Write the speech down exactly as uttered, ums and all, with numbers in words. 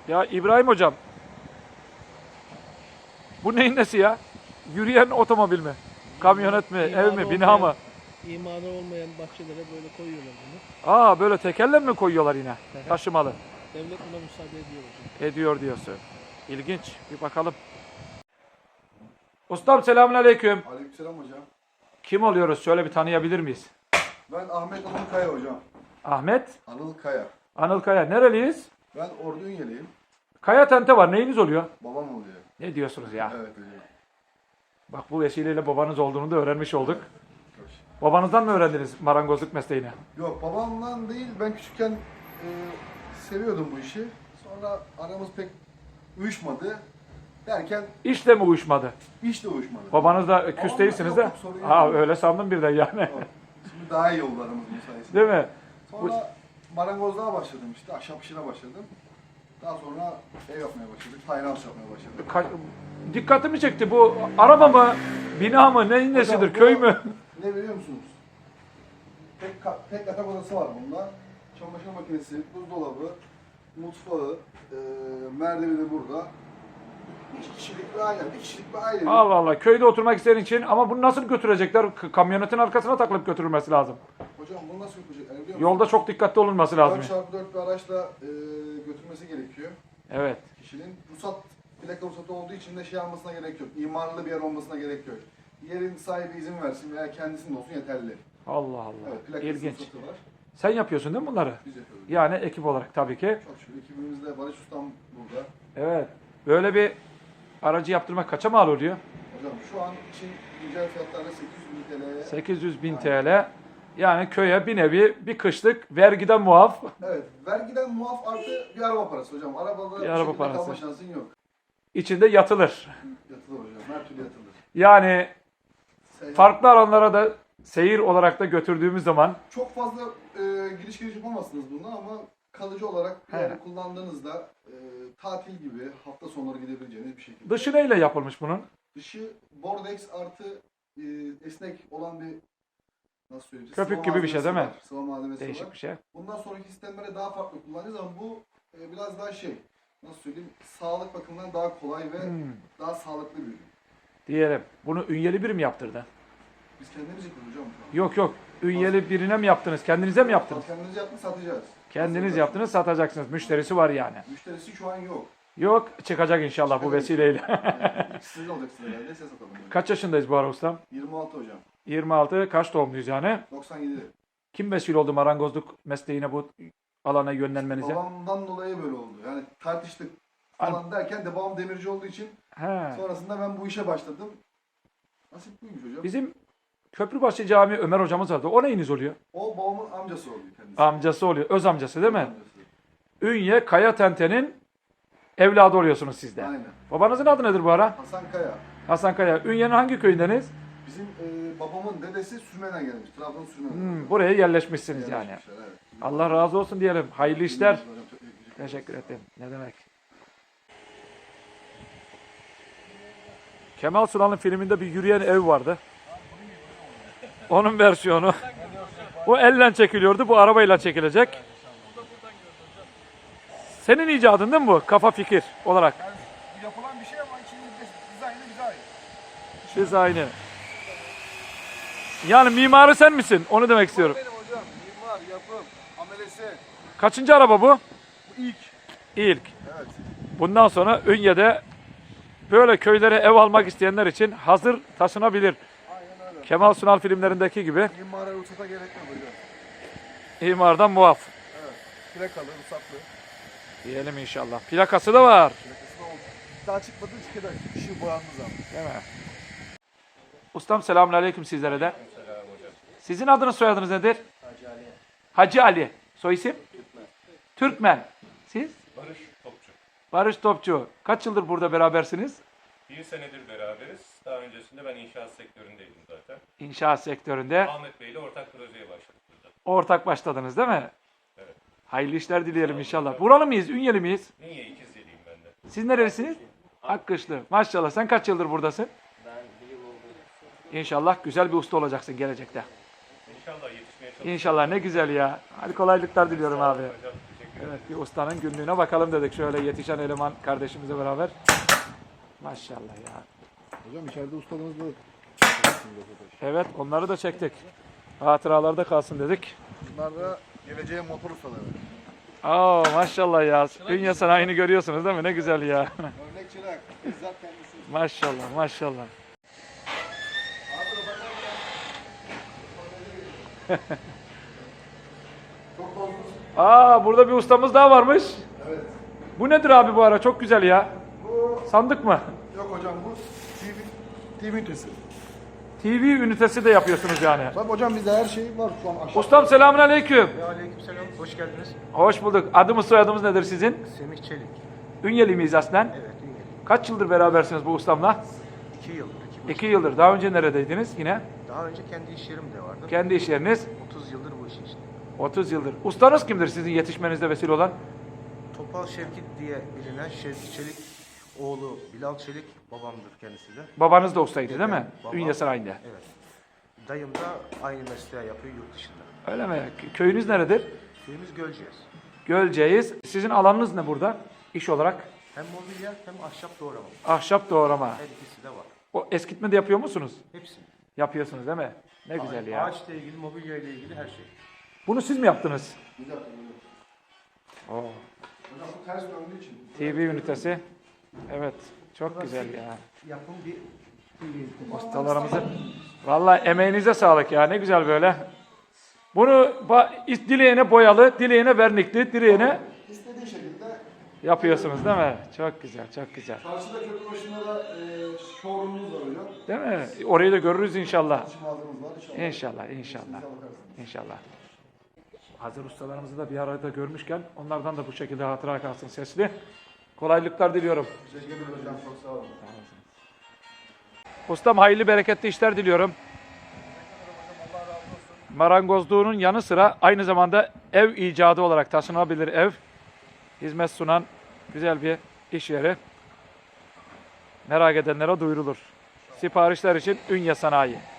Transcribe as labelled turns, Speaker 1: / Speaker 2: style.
Speaker 1: Ya İbrahim hocam, bu neyin nesi ya? Yürüyen otomobil mi? Kamyonet mi? Ev mi? Bina mı?
Speaker 2: İmarı olmayan bahçelere böyle koyuyorlar bunu.
Speaker 1: Aa, böyle tekerle mi koyuyorlar yine?
Speaker 2: Hı hı.
Speaker 1: Taşımalı.
Speaker 2: Devlet buna müsaade ediyor hocam.
Speaker 1: Ediyor diyorsun. İlginç. Bir bakalım. Ustam selamünaleyküm.
Speaker 3: Aleykümselam hocam.
Speaker 1: Kim oluyoruz? Şöyle bir tanıyabilir miyiz?
Speaker 3: Ben Ahmet Anıl Kaya hocam.
Speaker 1: Ahmet
Speaker 3: Anıl Kaya.
Speaker 1: Anıl Kaya. Nereliyiz?
Speaker 3: Ben Ordu Ünyeliyim.
Speaker 1: Kaya tente var. Neyiniz oluyor?
Speaker 3: Babam oluyor.
Speaker 1: Ne diyorsunuz ya?
Speaker 3: Evet hocam.
Speaker 1: Bak, bu vesileyle babanız olduğunu da öğrenmiş olduk. Babanızdan mı öğrendiniz marangozluk mesleğini?
Speaker 3: Yok babamdan değil, ben küçükken e, seviyordum bu işi. Sonra aramız pek uyuşmadı. Derken
Speaker 1: İşle mi uyuşmadı?
Speaker 3: iş de uyuşmadı.
Speaker 1: Babanız da küs
Speaker 3: Babamla-
Speaker 1: değilsiniz
Speaker 3: yok,
Speaker 1: de.
Speaker 3: yok, sorun yok.
Speaker 1: Ha, öyle sandım birden yani.
Speaker 3: Yok. Şimdi daha iyi oldu aramız bu sayesinde.
Speaker 1: Değil mi?
Speaker 3: Sonra marangozluğa başladım işte, ahşap işine başladım. Daha sonra ev yapmaya başladık, tiny house yapmaya başladık.
Speaker 1: Ka- dikkatimi çekti bu. Araba mı? Bina mı? Neyin nesidir?
Speaker 3: Hocam, bu-
Speaker 1: Köy mü?
Speaker 3: Ne biliyor musunuz? Tek, ka- tek yatak odası var bunda. Çamaşır makinesi, buzdolabı, mutfağı, e, merdiveni burada. İki kişilik bir aile, bir kişilik bir aile.
Speaker 1: Allah Allah. Köyde oturmak isteyen için, ama bunu nasıl götürecekler? K- Kamyonetin arkasına takılıp götürülmesi lazım.
Speaker 3: Hocam bunu nasıl yapacak? Yani biliyor
Speaker 1: Yolda çok dikkatli olunması lazım.
Speaker 3: dört çarpı dört bir araçla e, götürmesi gerekiyor
Speaker 1: Evet.
Speaker 3: kişinin. Ruhsat, plaka ruhsatı olduğu için de şey almasına gerek yok. İmarlı bir yer olmasına gerek yok. Yerin sahibi izin versin veya kendisinin olsun yeterli.
Speaker 1: Allah Allah.
Speaker 3: Evet, plakası
Speaker 1: İlginç.
Speaker 3: ruhsatı var.
Speaker 1: Sen yapıyorsun değil mi bunları?
Speaker 3: Biz yapıyoruz.
Speaker 1: Yani ekip olarak tabii ki.
Speaker 3: Çok şükür ekibimizde Barış Ustam burada.
Speaker 1: Evet. Böyle bir aracı yaptırmak kaça mal oluyor?
Speaker 3: Hocam şu an için güncel fiyatlarla sekiz yüz bin T L'ye.
Speaker 1: sekiz yüz bin T L. Yani köye bir nevi bir kışlık vergiden muaf.
Speaker 3: Evet, vergiden muaf artı bir araba parası hocam. Arabada
Speaker 1: Bir
Speaker 3: bir
Speaker 1: araba
Speaker 3: şekilde
Speaker 1: parası.
Speaker 3: kalma şansın yok.
Speaker 1: İçinde yatılır.
Speaker 3: Yatılır hocam, her türlü yatılır.
Speaker 1: Yani
Speaker 3: Seyahat-
Speaker 1: farklı alanlara da seyir olarak da götürdüğümüz zaman
Speaker 3: Çok fazla e, giriş giriş yapamazsınız bununla ama kalıcı olarak bir
Speaker 1: He.
Speaker 3: yerde kullandığınızda e, tatil gibi hafta sonları gidebileceğiniz bir şekilde.
Speaker 1: dışı neyle yapılmış bunun?
Speaker 3: Dışı Bordex artı e, esnek olan bir, nasıl söyleyeyim?
Speaker 1: Köpük
Speaker 3: sıva
Speaker 1: gibi bir şey
Speaker 3: malzemesi
Speaker 1: değil mi?
Speaker 3: var, sıva malzemesi
Speaker 1: Değişik
Speaker 3: var.
Speaker 1: bir şey.
Speaker 3: Bundan sonraki sistemlere daha farklı kullanacağız ama bu e, biraz daha şey, nasıl söyleyeyim, sağlık bakımından daha kolay ve
Speaker 1: Hmm.
Speaker 3: daha sağlıklı bir ürün.
Speaker 1: Diyelim. Bunu Ünyeli biri mi yaptırdı?
Speaker 3: Biz kendimiz yapıyoruz hocam şu an.
Speaker 1: Yok yok. Ünyeli birine mi yaptınız? Kendinize mi yaptınız?
Speaker 3: Kendimiz yaptık, satacağız.
Speaker 1: Kendiniz
Speaker 3: Satacağız.
Speaker 1: yaptınız, satacaksınız. Müşterisi var yani.
Speaker 3: Müşterisi şu an yok.
Speaker 1: Yok, çıkacak inşallah bu
Speaker 3: Çıkacak.
Speaker 1: vesileyle.
Speaker 3: Yani ilk sizin olacaksınız herhalde, size satalım. hocam.
Speaker 1: Kaç yaşındayız bu ara ustam?
Speaker 3: yirmi altı hocam.
Speaker 1: yirmi altı. Kaç doğumluyuz yani?
Speaker 3: doksan yedi.
Speaker 1: Kim vesile oldu marangozluk mesleğine, bu alana yönlenmenize?
Speaker 3: Babamdan dolayı böyle oldu. Yani tartıştık falan derken de babam demirci olduğu için
Speaker 1: He.
Speaker 3: sonrasında ben bu işe başladım. Nasip buymuş hocam.
Speaker 1: Bizim Köprübaşı Camii Ömer hocamız vardı. O neyiniz oluyor?
Speaker 3: O babamın amcası oluyor kendisi.
Speaker 1: Amcası oluyor. Öz amcası değil mi?
Speaker 3: Amcası.
Speaker 1: Ünye Kaya Tente'nin evladı oluyorsunuz siz de.
Speaker 3: Aynen.
Speaker 1: Babanızın adı nedir bu ara?
Speaker 3: Hasan Kaya.
Speaker 1: Hasan Kaya. Ünye'nin hangi köyündeniz?
Speaker 3: Bizim e, babamın dedesi Sürmen'den gelmiş. Trabzon Sürmen'den.
Speaker 1: Hmm, buraya yerleşmişsiniz yani.
Speaker 3: Yerleşmişler, evet.
Speaker 1: Allah razı olsun diyelim. Hayırlı işler.
Speaker 3: Hocam, çok teşekkür ederim.
Speaker 1: Teşekkür ederim. Ne demek? Kemal Sunal'ın filminde bir yürüyen ev vardı. Onun versiyonu. Bu elle çekiliyordu. Bu arabayla çekilecek. Senin icadın değil mi bu? Kafa fikir olarak.
Speaker 4: Yani yapılan bir şey ama içinde dizaynı bize ait.
Speaker 1: Siz aynı. Yani mimarı sen misin? Onu demek istiyorum.
Speaker 4: Benim hocam, mimar, yapım, amelesi.
Speaker 1: Kaçıncı araba bu?
Speaker 4: Bu ilk.
Speaker 1: İlk.
Speaker 4: Evet.
Speaker 1: Bundan sonra Ünye'de böyle köylere ev almak isteyenler için hazır taşınabilir.
Speaker 4: Aynen öyle.
Speaker 1: Kemal Sunal filmlerindeki gibi
Speaker 4: Mimara ruhsata gerek yok hocam.
Speaker 1: imardan muaf.
Speaker 4: Evet. Plakalı, ruhsatlı.
Speaker 1: Diyelim inşallah. Plakası da var.
Speaker 4: Plakası da oldu. Daha çıkmadı, çıkacak. Işığı boyandığı zaman.
Speaker 1: Değil mi? Ustam selamünaleyküm sizlere de. Sizin adınız soyadınız nedir? Hacı Ali. Hacı Ali. Soy isim? Türkmen. Türkmen. Siz?
Speaker 5: Barış Topçu.
Speaker 1: Barış Topçu. Kaç yıldır burada berabersiniz?
Speaker 5: Bir senedir beraberiz. Daha öncesinde ben inşaat sektöründeydim zaten.
Speaker 1: İnşaat sektöründe
Speaker 5: Ahmet Bey ile ortak projeye başladık burada.
Speaker 1: ortak başladınız değil mi?
Speaker 5: Evet.
Speaker 1: Hayırlı işler dileyelim inşallah. Buralı mıyız? Ünyeli miyiz?
Speaker 5: Niye İkizceliyim ben de.
Speaker 1: Siz nerelisiniz? Akkışlı. Maşallah. Sen kaç yıldır buradasın?
Speaker 6: Ben bir yıl oldu.
Speaker 1: İnşallah güzel bir usta olacaksın gelecekte.
Speaker 5: İnşallah yetişmeye çalışacağım.
Speaker 1: İnşallah ne güzel ya. Hadi kolaylıklar diliyorum abi.
Speaker 5: Hocam, teşekkür
Speaker 1: Evet, bir ustanın günlüğüne bakalım dedik şöyle yetişen eleman kardeşimizle beraber. Maşallah ya.
Speaker 3: Hocam içeride ustalığınız da
Speaker 1: Evet, onları da çektik. Hatıralarda kalsın dedik.
Speaker 3: bunlar da geleceğin motor ustaları.
Speaker 1: Aa maşallah ya. Ünye sanayini görüyorsunuz değil mi? Ne güzel ya.
Speaker 3: Örnek çırak. Bizzat kendisi.
Speaker 1: Maşallah, maşallah.
Speaker 3: Çok fazla.
Speaker 1: Aa burada bir ustamız daha varmış.
Speaker 3: Evet.
Speaker 1: Bu nedir abi bu ara? Çok güzel ya.
Speaker 3: Bu
Speaker 1: Sandık mı?
Speaker 3: yok hocam bu T V T V ünitesi.
Speaker 1: T V ünitesi de yapıyorsunuz yani.
Speaker 3: Tabii hocam bizde her şey var şu an aşağıda.
Speaker 1: Ustam selamünaleyküm.
Speaker 6: Aleykümselam. Hoş geldiniz.
Speaker 1: Hoş bulduk. Adımız soyadımız nedir sizin?
Speaker 6: Semih Çelik.
Speaker 1: Ünyeli miyiz aslen?
Speaker 6: Evet, Üngeli.
Speaker 1: Kaç yıldır berabersiniz bu ustamla?
Speaker 6: İki yıldır. iki buçuk.
Speaker 1: İki yıldır. Daha önce neredeydiniz yine?
Speaker 6: Daha önce kendi iş yerim de vardı.
Speaker 1: Kendi iş yeriniz?
Speaker 6: otuz yıldır bu işin içinde.
Speaker 1: otuz yıldır. Ustanız kimdir sizin yetişmenizde vesile olan?
Speaker 6: Topal Şevkit diye bilinen Şevki Çelik oğlu Bilal Çelik babamdır kendisi de.
Speaker 1: Babanız da ustaydı değil mi?
Speaker 6: Babam-
Speaker 1: Ünye Sarayı'nda.
Speaker 6: Evet. Dayım da aynı mesleği yapıyor yurt dışında.
Speaker 1: Öyle mi? Kö- Köyünüz neredir?
Speaker 6: Köyümüz Gölceğiz.
Speaker 1: Gölceğiz. Sizin alanınız ne burada? İş olarak?
Speaker 6: Hem mobilya hem ahşap doğrama.
Speaker 1: Ahşap doğrama.
Speaker 6: Her ikisi de var.
Speaker 1: O eskitme de yapıyor musunuz?
Speaker 6: Hepsini.
Speaker 1: Yapıyorsunuz değil mi? Ne güzel ya.
Speaker 6: Ağaçla ilgili, mobilya ile ilgili her şey.
Speaker 1: Bunu siz mi yaptınız?
Speaker 3: Biz yaptık hocam.
Speaker 1: Oo.
Speaker 3: Hocam bu ters döndüğü için.
Speaker 1: T V ünitesi. Evet. Çok güzel ya.
Speaker 6: Yapım bir
Speaker 1: Ustalarımızın. Vallahi emeğinize sağlık ya. Ne güzel böyle. Bunu ba- dileyene boyalı, dileyene vernikli, dileyene
Speaker 3: İstediği şekilde.
Speaker 1: yapıyorsunuz değil mi? Çok güzel, çok güzel.
Speaker 3: Karşıda köprü başında da e, showroom'umuz var hocam.
Speaker 1: Değil mi? Orayı da görürüz inşallah.
Speaker 3: İçim mağazamız var inşallah.
Speaker 1: İnşallah, inşallah.
Speaker 3: Bize bakarsınız.
Speaker 1: İnşallah. Hazır ustalarımızı da bir arada görmüşken onlardan da bu şekilde hatıra kalsın sesli. Kolaylıklar diliyorum.
Speaker 3: Teşekkür ederim hocam. Çok sağ olun.
Speaker 1: Ustam hayırlı bereketli işler diliyorum. Marangozluğunun yanı sıra aynı zamanda ev icadı olarak taşınabilir ev. Hizmet sunan güzel bir iş yeri. Merak edenlere duyurulur. Siparişler için Ünye Sanayi.